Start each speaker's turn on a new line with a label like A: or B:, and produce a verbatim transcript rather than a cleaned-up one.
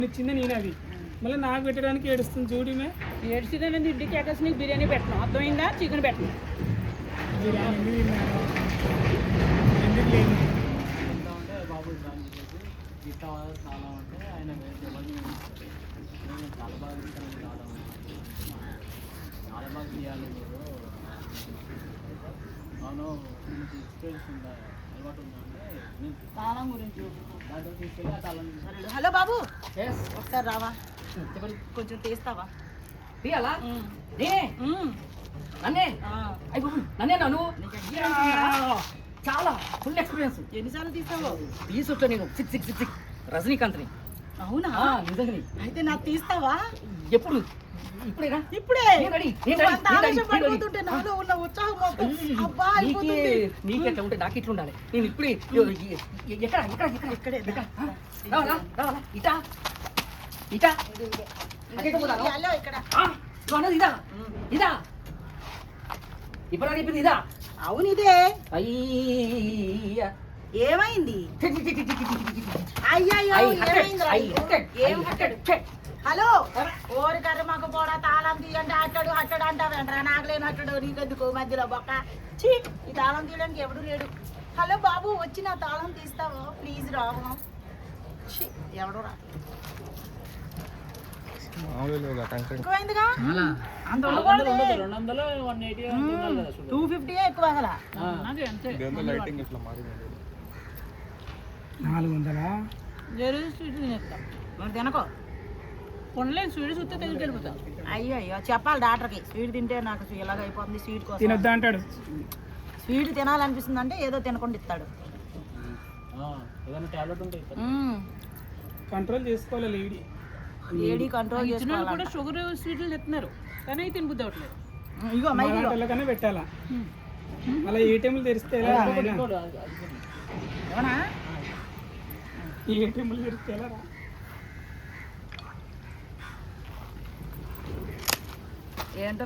A: ఇచ్చింది నేను అది మళ్ళీ నాకు పెట్టడానికి ఏడుస్తుంది చూడమే
B: ఏడ్చిందని ఇంటికి ఎక్కసి నీకు బిర్యానీ పెట్టను అర్థమైందా చికెన్ పెట్టను
A: బిర్యానీ ఎందుకు లేదు
C: అంటే బాబు గిట్ట చాలా అంటే ఆయన చాలా బాగా ఇస్తాను చాలా బాగా తీయాలి మీరు అవును మీకు ఎక్స్పీరియన్స్ ఉందా అలవాటు ఉందా అంటే
B: తాళం గురించి
C: దాంట్లో తీసుకెళ్ళి ఆ తాళం
B: హలో బాబు ఒకసారి రావా కొంచెం తీస్తావా
D: తీయాలా నన్నే అయ్యి నన్నే నన్ను చాలా ఫుల్ ఎక్స్పీరియన్స్
B: ఎన్నిసార్లు తీస్తావు
D: తీసుకుంటా నేను సిక్స్ సిక్స్ సిక్స్ సిక్స్ రజనీకాంత్ని
B: అవునా
D: నిజంగా
B: అయితే నాకు తీస్తావా
D: ఎప్పుడు ఇప్పుడేనా
B: ఇప్పుడే
D: నేను రెడీ, నేను
B: నువ్వు
D: రెడీ,
B: అంత
D: నేను రెడీ,
B: ఆవేశం
D: నేను రెడీ.
B: పడిపోతుంటే నాలో ఉన్న ఉత్సాహం మొత్తం అబ్బా
D: నీకే
B: అయిపోతుంది.
D: నీకెట్లా ఉంటే నాకు ఇట్లా ఉండాలి నేను ఇప్పుడే ఎక్కడ ఎక్కడ ఎక్కడ
B: ఇక్కడే
D: ఎక్కడ రావాలా రావాలా ఇటా ఇటా అక్కడ పోతాను
B: హలో ఇక్కడ
D: ఆ, నువ్వు అన్నది ఇదా ఇదా ఇప్పుడు చెప్పింది ఇదా
B: అవును ఇదే
D: అయ్యా
B: ఏమైంది అయ్యయ్యో
D: I hunted,
B: ఏమైందిరా
D: I
B: నీకు?
D: hunted,
B: ఏం
D: I
B: హట్టడు?
D: hunted.
B: హలో ఓరి కర్ర మాకు పోడా తాళం తీయండి హట్టడు హట్టడు అంటావేంట్రా నాకు లేని హట్టడు నీకెందుకు మధ్యలో బొక్క చీ ఈ తాళం తీయడానికి ఎవడు లేడు హలో బాబు వచ్చి నా తాళం తీస్తావో ప్లీజ్ రావు ఛీ, ఎవడు రా ఎక్కువైందిగా అంత ఉండకూడదు
C: రెండు వందలు వన్ ఎయిటీ
B: టూ ఫిఫ్టీ ఎక్కువ అసలు
A: నాలుగు వందలా
B: జరుగు స్వీట్ తినేస్తాం మరి తినకో కొనలేని స్వీట్ చూస్తే తెలిసి వెళ్ళిపోతాం అయ్యో అయ్యో చెప్పాలి డాక్టర్కి స్వీట్ తింటే నాకు ఇలాగ అయిపోతుంది స్వీట్ కోసం
A: తినొద్దా అంటాడు
B: స్వీట్ తినాలనిపిస్తుంది అంటే ఏదో తినకుండా ఇస్తాడు
C: ఏదైనా టాబ్లెట్ ఉంటాయి
B: మ్మ్.
A: కంట్రోల్ చేసుకోవాలి లేడీ
B: ఏడీ కంట్రోల్ చేసుకోవాలి
E: కూడా షుగర్ స్వీట్లు తెస్తున్నారు కానీ అవి తినబుద్ధి అవ్వట్లేదు
B: ఇగో మైక్ ఇగో.
A: వాళ్ళకన్నా పెట్టాలా అలా ఏటీఎంలు తెరిస్తే ఎలా నాయనా?
B: అవునా
A: ఈ ఏటీఎంలు తెరిస్తే ఎలా రా?
B: ఏంటో